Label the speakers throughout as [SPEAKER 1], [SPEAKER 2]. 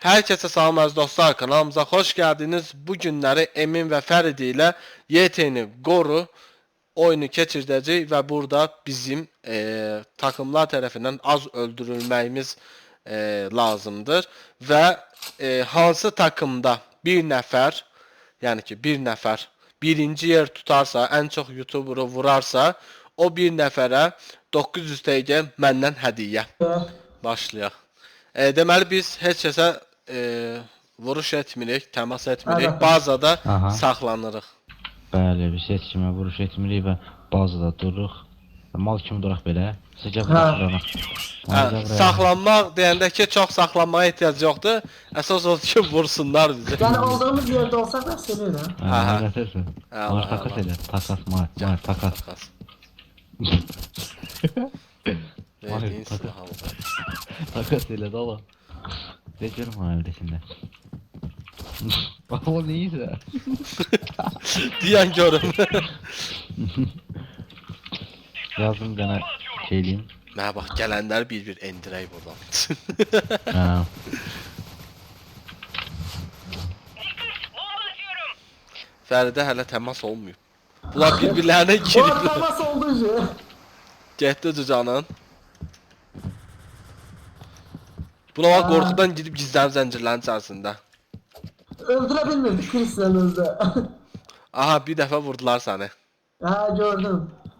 [SPEAKER 1] Herkese salam əziz dostlar, kanalımıza hoş geldiniz. Bu günləri Emin və Fəridi ilə YT'ni qoru oyunu keçirdəcək və burada bizim takımlar tərəfindən az öldürülməyimiz lazımdır və hansı takımda bir nəfər, yəni ki bir nəfər birinci yer tutarsa, ən çox YouTuber'ı vurarsa, o bir nəfərə 900 TG məndən hədiyyə. Başlayaq. Deməli biz heç kəsə vuruş etmirik, təmas etmirik, bazada saxlanırıq.
[SPEAKER 2] Bəli, biz heç kimə vuruş etmirik və bazada dururuq. Mal kimi duraq belə. Sizcə vuruş.
[SPEAKER 1] Saxlanmaq deyəndə ki, çox saxlanmaya ehtiyac yoxdur. Əsas odur ki, vursunlar bizi.
[SPEAKER 3] Yəni olduğumuz yerdə olsaq da sevirəm.
[SPEAKER 2] Var takas elə, takas, mar, takas.
[SPEAKER 1] Verdiyin silah aldı.
[SPEAKER 2] Takas elə də ola. Deyəcəm ha evdəsində. Bax o neysə.
[SPEAKER 1] Deyən görüm.
[SPEAKER 2] Yazdım qana şeyliyim.
[SPEAKER 1] Mənə bax, gələnləri bir-bir endirək buradan. Fəridə hələ təmas olmuyor. Bunlar bir-birlərinə
[SPEAKER 3] Bu
[SPEAKER 1] girib.
[SPEAKER 3] atlaması oldu ki.
[SPEAKER 1] Getdi cücanın. Buna bax, qorxudan gidib gizlənib zəncirlərin içərisində.
[SPEAKER 3] Öldürə bilmirdik Chris'lə özdə.
[SPEAKER 1] Aha, bir dəfə vurdular səni.
[SPEAKER 3] Ha gördüm.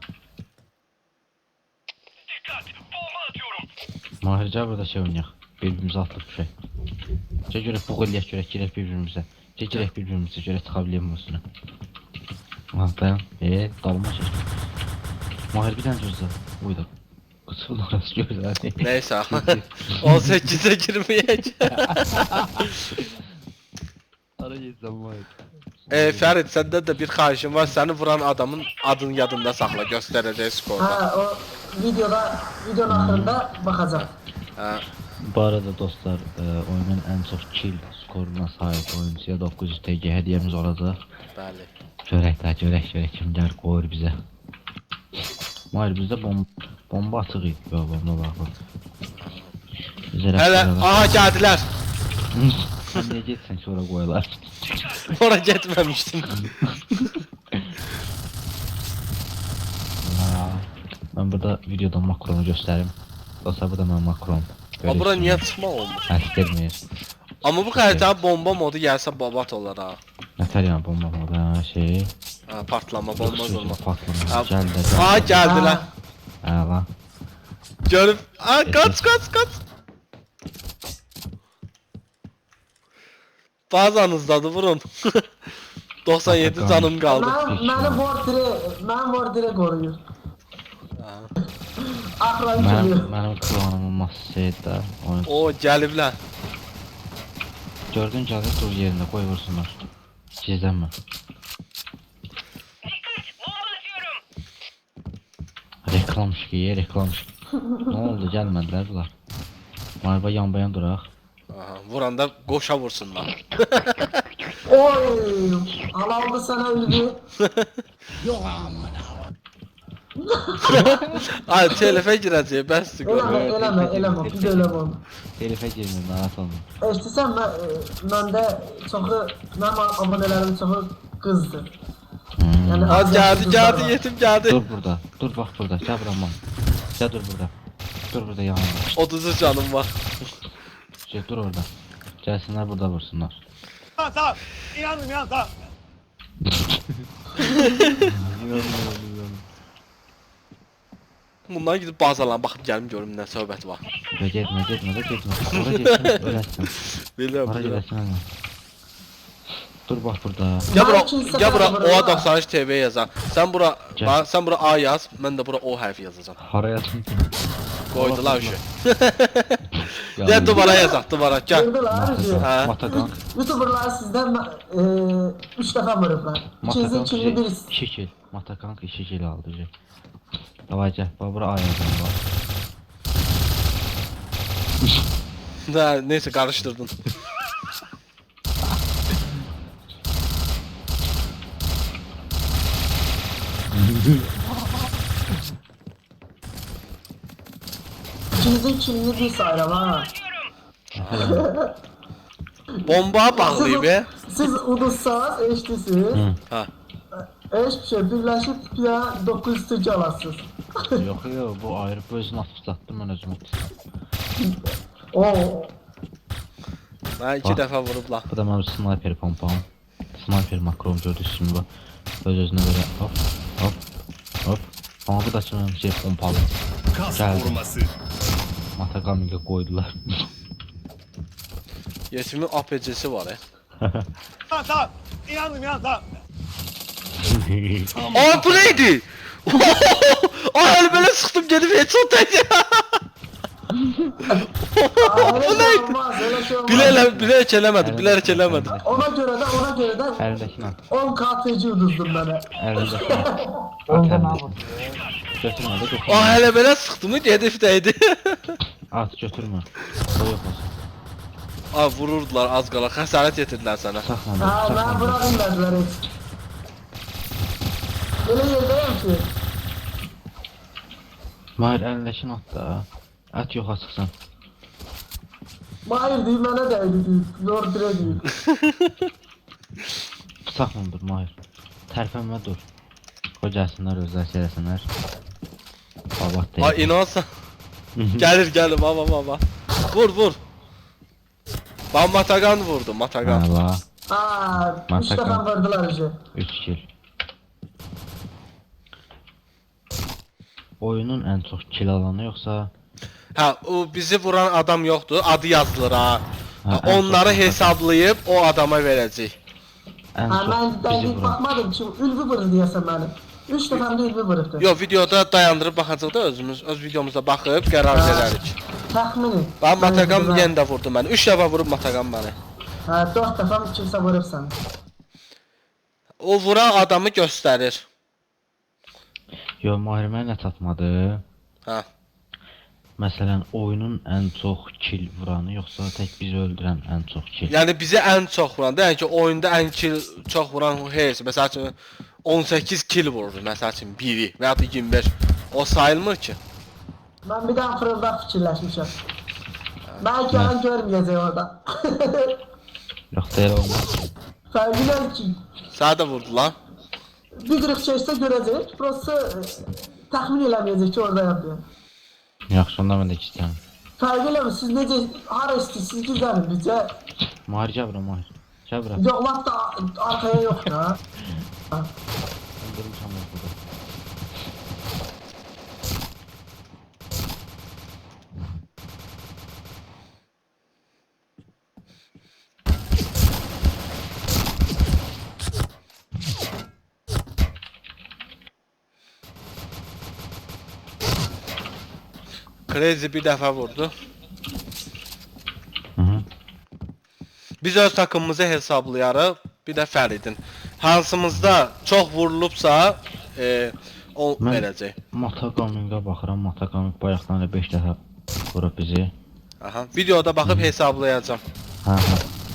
[SPEAKER 2] Mahircə burada şey oynayaq. Birbirimizi atıb bir şey. Görək bu qol eləyək, görək girək bir-birimizə. Girək bir-birimizə, görək çıxa biləyəm üstünə. Dayan. Dalma çək. Mahir bir dənə gözlə. Uydu. Qıçın orası gözlə.
[SPEAKER 1] Neysə. 18'e girməyək.
[SPEAKER 2] Ara geçsəm Mahir.
[SPEAKER 1] Fərid, səndə də bir xahişim var. Səni vuran adamın adını yadında saxla, göstərəcək skorda.
[SPEAKER 3] Ha o videonun axırında baxacaq.
[SPEAKER 2] Bu arada dostlar, oyunun ən çox kill skoruna sahib oyuncuya 900 TG hədiyyəmiz olacaq.
[SPEAKER 1] Bəli.
[SPEAKER 2] Görək kimlər qoyur bizə. Mahir bizdə bomba açıq idi. Bomba baxır.
[SPEAKER 1] Hələ, aha gəldilər.
[SPEAKER 2] Sən niyə getsən sonra qoyular?
[SPEAKER 1] Ora getməmişdim.
[SPEAKER 2] Mən burada videoda makronu göstərim. Dostlar bu da mənim makron.
[SPEAKER 1] Amma bura niyə çıxmaq olmur?
[SPEAKER 2] Əstirmir.
[SPEAKER 1] Amma bu xəritənin bomba modu gəlsə babat olar ha.
[SPEAKER 2] Nətər yəni bomba modu şey?
[SPEAKER 1] Partlama, bomba vurma.
[SPEAKER 2] Patlama. Gəldi.
[SPEAKER 1] Aha gəldilər.
[SPEAKER 2] Lan.
[SPEAKER 1] Görüb. Qaç. Bazanızdadır, vurun. 97 canım qaldı.
[SPEAKER 3] Mənim bordire qoruyur. Axıran geliyor.
[SPEAKER 2] Mənim klonumun masasıydı.
[SPEAKER 1] O gəliblər.
[SPEAKER 2] Gördün gəlir dur yerində qoy vursunlar. Gizlənmə. Reklam şikiyə, reklam şikiyə. Nə oldu, gəlmədilər bunlar. Marba yan-bayan duraq.
[SPEAKER 1] Vuranda qoşa vursunlar.
[SPEAKER 3] Oy! Alaldı sana öldü.
[SPEAKER 4] Yok amına.
[SPEAKER 1] Ay, telefə girəcək, bəsdir görüm.
[SPEAKER 3] Eləmə, bir də eləmə onu.
[SPEAKER 2] Telifə girmir, narahat olma.
[SPEAKER 3] İstəsən məndə çoxu, mənim abonələrim çoxu qızdır.
[SPEAKER 1] Gəldi, yetim gəldi.
[SPEAKER 2] Dur burada, dur bax burada, gəl bura man. Gəl dur burada. Dur burada yanımda.
[SPEAKER 1] 30 canım var.
[SPEAKER 2] Dur orada. Gəlsinlər burada vursunlar.
[SPEAKER 4] Tamam. İnandım tamam.
[SPEAKER 1] Bundan gidib bazalarına baxıb gəlim görüm nə söhbət var.
[SPEAKER 2] Getmə. Ora getmə, öləsən.
[SPEAKER 1] Bilirəm.
[SPEAKER 2] Ora gedəsən ama. Dur bax burada.
[SPEAKER 1] Gəl bura OA93 TV yazar. Sən bura A yaz, mən də bura O hərfi yazacağam.
[SPEAKER 2] Hara yazın?
[SPEAKER 1] Qoydular şu. Gəl duvara yazaq, duvara gəl.
[SPEAKER 3] Gördülər.
[SPEAKER 2] Matakan.
[SPEAKER 3] YouTuberlar sizdən 3 dəfə vurublar. İkinizin kimini birisi.
[SPEAKER 2] 2 kill. Matakan 2 kill aldı. Davay gəl, bax bura A yazın var.
[SPEAKER 1] Neyse qarışdırdın.
[SPEAKER 3] İkinizin kimini bir sayıram ha.
[SPEAKER 1] Bomba bağlayıb.
[SPEAKER 3] Siz uduzsanız eşitlisiniz.
[SPEAKER 2] Hı.
[SPEAKER 1] Ha.
[SPEAKER 3] Hiçbir şey birleşip bir daha 900 tırcı alasınız.
[SPEAKER 2] Yox, yox, bu ayrı özünü atlatdım mən özüm.
[SPEAKER 3] Oo.
[SPEAKER 1] Mən 2
[SPEAKER 2] Bax.
[SPEAKER 1] dəfə vurublar.
[SPEAKER 2] Bu da mənim sniper pompam. Sniper makrom gördüyünüz kimi bu. Öz-özünə belə hop, hop, hop. Amma bu da mənim şey pompalı.
[SPEAKER 4] Kas
[SPEAKER 2] Geldi.
[SPEAKER 4] koruması.
[SPEAKER 2] Matagami'ye koydular.
[SPEAKER 1] Yetimin APC-si var.
[SPEAKER 4] Tamam tamam. İnandım ya tamam.
[SPEAKER 1] Aa bu neydi? Ay öyle böyle sıktım gelip headshot dedi.
[SPEAKER 3] Bu neydi? Olmaz, öyle şey olmaz.
[SPEAKER 1] Bilerek eləmədim, bilerek eləmədim.
[SPEAKER 3] Ona göre de
[SPEAKER 2] Əlindəkini at.
[SPEAKER 3] 10 KTC uduzdum bana.
[SPEAKER 2] Əlindəkini at. At əlindəkini. Götürmə də götürmə.
[SPEAKER 1] Aa hele böyle sıktım hedefdeydi.
[SPEAKER 2] At götürmə. O yox olsun.
[SPEAKER 1] Aa vururdular az qala, xəsarət yetirdiler sana.
[SPEAKER 2] Saxla,
[SPEAKER 3] Ha ben
[SPEAKER 2] saxla.
[SPEAKER 3] bırakırlar hiç. Öyle yerdeyim ki.
[SPEAKER 2] Mahir əlindəkini at da. At yoxa çıxsın.
[SPEAKER 3] Mahir değil bana değdi değil. Lord Dre değil.
[SPEAKER 2] Saxla dur Mahir. Tərpənmə dur. Qoy gəlsinlər özlər şeyləsinlər. Babat deyil.
[SPEAKER 1] Ay inansan. Gelir baba. Vur. Ben Matagan vurdum Matagan.
[SPEAKER 2] Ha, bax.
[SPEAKER 3] Aa, 3
[SPEAKER 2] Mantıklı.
[SPEAKER 3] defa vurdular işi.
[SPEAKER 2] 3 kill. Oyunun ən çox kill alanı yoxsa
[SPEAKER 1] Ha o bizi vuran adam yoktu. Adı yazılır ha.
[SPEAKER 2] Ha,
[SPEAKER 1] Onları
[SPEAKER 2] en çok-
[SPEAKER 1] hesablayıp o adama verecek.
[SPEAKER 2] ən
[SPEAKER 3] Ha
[SPEAKER 2] çox
[SPEAKER 3] ben
[SPEAKER 2] bizi
[SPEAKER 3] değdik
[SPEAKER 2] vuran?
[SPEAKER 3] bakmadım ki ülbü vurdu diyesem benim. 3 defa da ülbü vurdu.
[SPEAKER 1] Yo videoda dayandırıb baxacaq da öz videomuzda baxıb qərar verərik.
[SPEAKER 3] Tahmini.
[SPEAKER 1] Ben Matagan yenə də vurdu məni. 3 dəfə vurub Matagan məni.
[SPEAKER 3] Ha 4 defa kimse vurursan.
[SPEAKER 1] O vuran adamı göstərir.
[SPEAKER 2] Yo, Mahir mənə nə çatmadı?
[SPEAKER 1] Ha.
[SPEAKER 2] Məsələn, oyunun ən çox kill vuranı yoxsa tək bizi öldürən ən çox kill?
[SPEAKER 1] Yəni bizi ən çox vuran, yəni ki oyunda ən kill çox vuran heç məsəl üçün 18 kill vurur məsəl üçün biri və ya da 25. O sayılmır ki.
[SPEAKER 3] Ben bir daha fırıldak fikirleşmişim. Belki ben görmeyeceğim orada.
[SPEAKER 2] Yox, deyil olmaz.
[SPEAKER 3] Fergiler ki
[SPEAKER 1] Sənə də vurdular.
[SPEAKER 3] bir kırık çeşitse görecek. Burası tahmin edemeyecek ki orada yapıyor.
[SPEAKER 2] Yaxşı, onda mən də istəyirəm.
[SPEAKER 3] Fergiler mi? Siz nece hara istiyorsunuz güzelim bize.
[SPEAKER 2] Mahir gəl bura, Mahir. Gəl bura.
[SPEAKER 3] Yok laf da arkaya yok ya.
[SPEAKER 2] Öldürmüşəm burada.
[SPEAKER 1] Crazy bir dəfə vurdu.
[SPEAKER 2] Hı -hı.
[SPEAKER 1] Biz öz takımımızı hesablayarıq. Bir də Fəridin. Hansımızda çox vurulubsa o
[SPEAKER 2] Mən-
[SPEAKER 1] verəcək.
[SPEAKER 2] Matagaminga baxıram, Matagami bayaqdan da 5 dəfə vurub bizi.
[SPEAKER 1] Aha. Videoda baxıb hesablayacağam.
[SPEAKER 2] Hə, hə.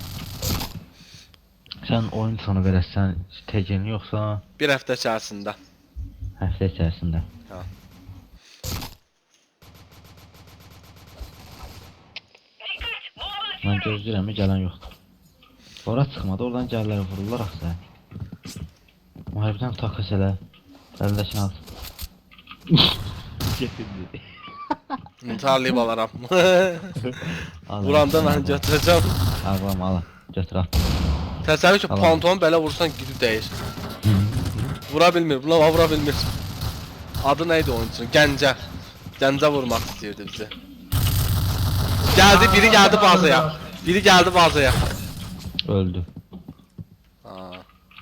[SPEAKER 2] Sən oyun sonu verəsən tecini yoxsa
[SPEAKER 1] Bir həftə içərisində.
[SPEAKER 2] həftə içərisində?
[SPEAKER 1] Ha.
[SPEAKER 2] Mən gözləyirəm, gələn yoxdur. Ora çıxmadı, oradan gəlirlər vururlar axı. Müharibdən takas elə. Əlindəkini al. Getirdi.
[SPEAKER 1] İntiharlayıb alaram.
[SPEAKER 2] Al,
[SPEAKER 1] Vuranda
[SPEAKER 2] al,
[SPEAKER 1] mən
[SPEAKER 2] al.
[SPEAKER 1] götürəcəm.
[SPEAKER 2] Ağlam, al. Götür at.
[SPEAKER 1] Təsəvvür ki,
[SPEAKER 2] Tamam.
[SPEAKER 1] pantolon belə vursan gidib dəyir. Vura bilmir, buna vura bilmir. Adı neydi oyuncunun? Gəncə. Gəncə vurmaq istəyirdi bizi. Geldi, biri geldi bazaya. Biri geldi bazaya.
[SPEAKER 2] Öldü.
[SPEAKER 1] Aa.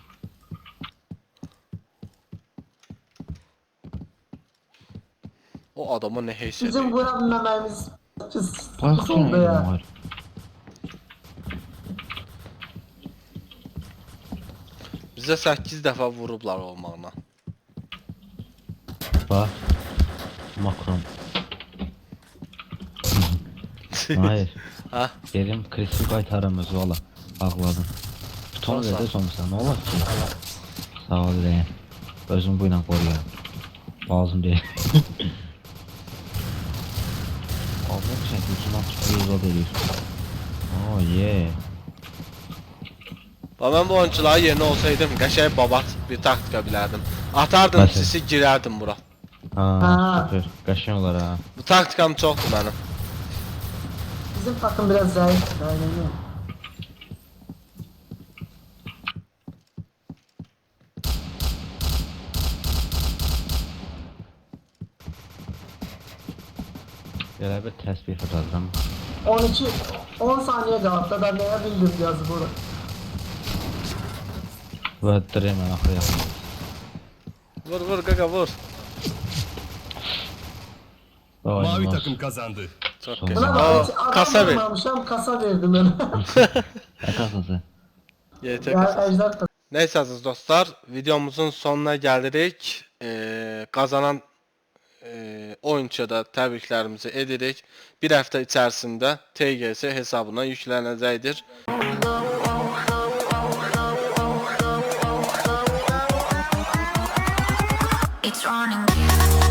[SPEAKER 1] O adama ne heyset.
[SPEAKER 3] Bizim vurabilmememiz
[SPEAKER 2] Bax,
[SPEAKER 3] pis oldu ya.
[SPEAKER 2] var.
[SPEAKER 1] Bizə 8 dəfə vurublar olmağına.
[SPEAKER 2] Bax. Makron. Hayır.
[SPEAKER 1] Ha?
[SPEAKER 2] Gelim Chris'i qaytarım özü valla. Ağladım. Butonu
[SPEAKER 1] Olsa.
[SPEAKER 2] verdə sonrası nə olar ki? Sağ ol deyəm. Özüm bu ilə qoruyuram. Lazım deyil. Aldım şəkil ucundan tutuyor zad eləyir. Oh yeah.
[SPEAKER 1] Və mən bu oyuncuların yerine olsaydım qəşəng babat bir taktika bilərdim. Atardım
[SPEAKER 2] Məsələn?
[SPEAKER 1] sisi girərdim bura.
[SPEAKER 2] Ha,
[SPEAKER 3] Ha.
[SPEAKER 2] süper. Qəşəng olar ha.
[SPEAKER 1] Bu taktikam çoxdur mənim.
[SPEAKER 3] Bizim takım biraz zayıf. Aynen.
[SPEAKER 2] Elə bir təsbih fırladıram.
[SPEAKER 3] 10 saniye kaldı. Ben neye bildim yazı bunu.
[SPEAKER 2] Və dirəmən axıra yaxın.
[SPEAKER 1] Vur vur qaqa vur.
[SPEAKER 4] Mavi takım kazandı.
[SPEAKER 1] Çox
[SPEAKER 2] Sonra-
[SPEAKER 1] qəşəng.
[SPEAKER 3] Buna bak hiç
[SPEAKER 1] O
[SPEAKER 3] adam
[SPEAKER 1] kasa ver.
[SPEAKER 3] vurmamışam, kasa verdim ben.
[SPEAKER 2] Nə qazası?
[SPEAKER 1] YT
[SPEAKER 3] ya
[SPEAKER 1] kasa.
[SPEAKER 3] ejder kasa.
[SPEAKER 1] Neyse aziz dostlar, videomuzun sonuna gelirik. Kazanan oyuncuya da təbriklərimizi edirik. Bir həftə içərisində TGS hesabına yüklənəcəkdir.
[SPEAKER 5] It's running.